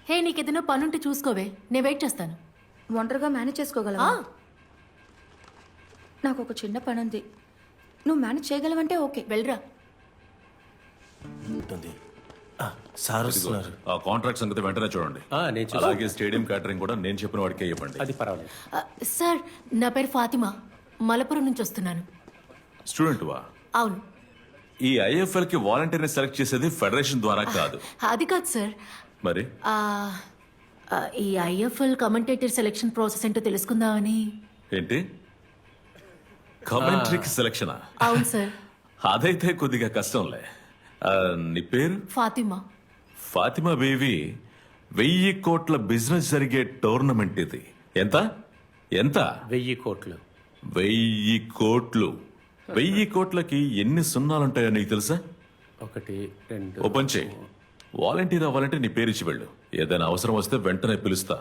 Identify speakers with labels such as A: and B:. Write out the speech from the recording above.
A: హే నీకేదైనా పనుంటే చూసుకోవే, నేను వెయిట్ చేస్తాను.
B: ఒంటరిగా మేనేజ్ చేసుకోగలవా? నాకు ఒక చిన్న పని ఉంది, నువ్వు మేనేజ్ చేయగలవంటే ఓకే.
A: వెళ్ళరా.
C: ఉంటుంది. సార్ వస్తున్నారు.
D: ఆ కాంట్రాక్ట్ సంగతి వెంటనే చూడండి.
E: నేను చూస్తాను.
D: అలాగే స్టేడియం క్యాటరింగ్ కూడా నేను చెప్పిన వాడికే ఇవ్వండి.
E: అది పర్వాలేదు.
A: సార్ నా పేరు ఫాతిమా, మలపురం నుంచి వస్తున్నాను.
D: స్టూడెంట్ వా?
A: అవును.
D: ఈ ఐఎఫ్ఎల్ కి వాలంటీర్ని సెలెక్ట్ చేసేది ఫెడరేషన్ ద్వారా కాదు.
A: అది కాదు సార్.
D: మరి
A: ఆ, ఈ ఐఎఫ్ఎల్ కమెంటేటర్ సెలెక్షన్ ప్రాసెస్ ఏంటో తెలుసుకుందామని.
D: ఏంటి? కమెంట్రీకి సెలక్షనా?
A: అవును సార్.
D: అదైతే కొద్దిగా కష్టంలే. నీ పేరు?
A: ఫాతిమా.
D: ఫాతిమా బేబీ, 1000 కోట్ల బిజినెస్ జరిగే టోర్నమెంట్ ఇది. ఎంత ఎంత?
E: 1000 కోట్లు.
D: 1000 కోట్లు. 1000 కోట్లకి ఎన్ని సున్నాలుంటాయో నీకు తెలుసా?
E: 1 2
D: ఓపెన్ చేయి. వాలంటీర్ అవ్వాలంటే నీ పేరు ఇచ్చి వెళ్ళు. ఏదైనా అవసరం వస్తే వెంటనే పిలుస్తా.